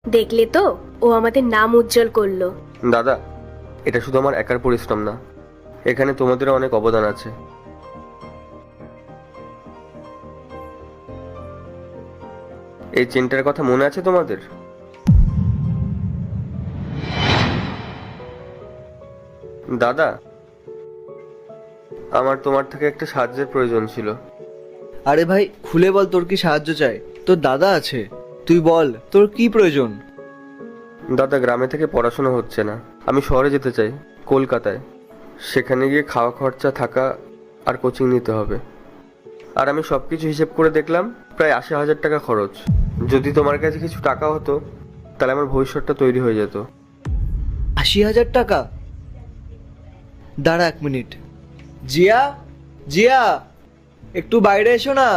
দেখলে তো, ও আমাদের নাম উজ্জ্বল করলো। দাদা, এটা শুধু আমার একার পরিশ্রম না, এখানে তোমাদেরও অনেক অবদান আছে। এই চেনটার কথা মনে আছে তোমাদের? দাদা, আমার তোমার থেকে একটা সাহায্যের প্রয়োজন ছিল। আরে ভাই, খুলে বল তোর কি সাহায্য চাই। তোর দাদা আছে, তুই বল তোর কি প্রয়োজন। দাদা, গ্রামে থেকে পড়াশোনা হচ্ছে না, আমি শহরে যেতে চাই, কলকাতায়। সেখানে গিয়ে খাওয়া খরচা, থাকা আর কোচিং নিতে হবে। আর আমি সব কিছু হিসেব করে দেখলাম প্রায় ৮০,০০০ টাকা খরচ। যদি তোমার কাছে কিছু টাকা হতো তাহলে আমার ভবিষ্যৎটা তৈরি হয়ে যেত। ৮০,০০০ টাকা? দাঁড়া ১ মিনিট। জিয়া, জিয়া, একটু বাইরে এসো না।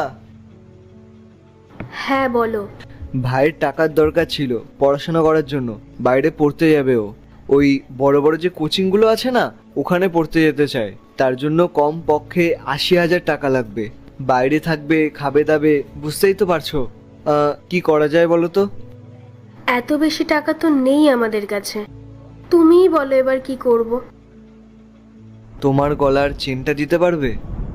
হ্যাঁ বলো। ভাইয়ের টাকার দরকার ছিল পড়াশোনা করার জন্য, বাইরে পড়তে যাবে ও। ওই বড় বড় যে কোচিংগুলো আছে না, ওখানে পড়তে যেতে চায়। তার জন্য কম পক্ষে ৮০,০০০ টাকা লাগবে। বাইরে থাকবে, খাবে দাবে, বুঝতেই তো পারছো। কি করা যায় বলো তো? এত বেশি টাকা তো নেই আমাদের কাছে, তুমিই বলো এবার কি করব। তোমার গলার চেনটা দিতে পারবে?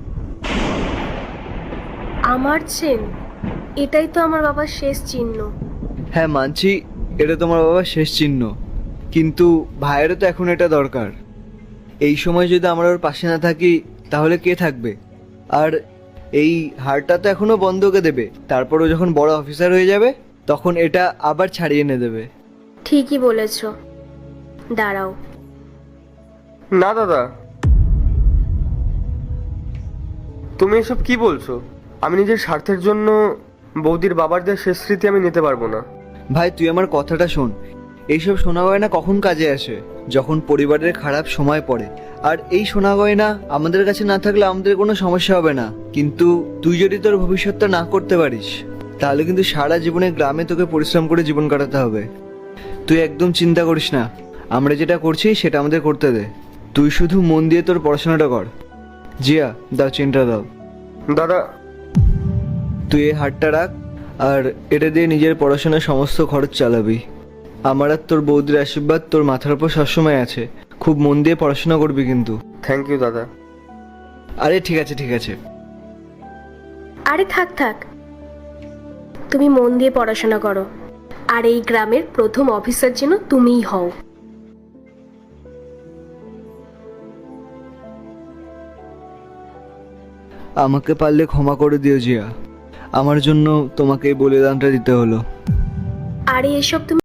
আমার চেন? এটাই তো আমার বাবার শেষ চিহ্ন। হ্যাঁ মানছি, এটা তোমার বাবার শেষ চিহ্ন, কিন্তু ভাইয়েরও তো এখন এটা দরকার। এই সময় যদি আমরা ওর পাশে না থাকি তাহলে কে থাকবে? আর এই হারটা তো এখনো বন্ধকে দেবে, তারপরও যখন বড় অফিসার হয়ে যাবে তখন এটা আবার ছাড়িয়ে এনে দেবে। ঠিকই বলেছ, দাঁড়াও। না দাদা, তুমি এসব কি বলছো? আমি নিজের স্বার্থের জন্য বৌদির বাবার দেওয়া শেষ স্মৃতি আমি নিতে পারবো না। ভাই তুই আমার কথাটা শোন, এইসব সোনা গয়না কখন কাজে আসে? যখন পরিবারের খারাপ সময় পড়ে। আর এই সোনা গয়না আমাদের কাছে না থাকলে আমাদের কোনো সমস্যা হবে না, কিন্তু তুই যদি তোর ভবিষ্যৎটা না করতে পারিস তাহলে কিন্তু সারা জীবনে গ্রামে তোকে পরিশ্রম করে জীবন কাটাতে হবে। তুই একদম চিন্তা করিস না, আমরা যেটা করছি সেটা আমাদের করতে দে। তুই শুধু মন দিয়ে তোর পড়াশোনাটা কর। জিয়া, দাও চেনটা দাও। দাদা, তুই এই হারটা রাখ, আর এটা দিয়ে নিজের পড়াশোনার সমস্ত খরচ চালাবি। আমার আর তোর বৌদির আশীর্বাদ তোর মাথার উপর সবসময় আছে। খুব মন দিয়ে পড়াশোনা করবি কিন্তু। থ্যাংক ইউ দাদা। আরে ঠিক আছে ঠিক আছে। আরে থাক থাক, তুমি মন দিয়ে পড়াশোনা করো, আর এই গ্রামের প্রথম অফিসার যেন তুমিই হও। আমাকে পারলে ক্ষমা করে দিও জিয়া, আমার জন্য তোমাকে এই বলিদানটা দিতে হলো। আরে এসব তুমি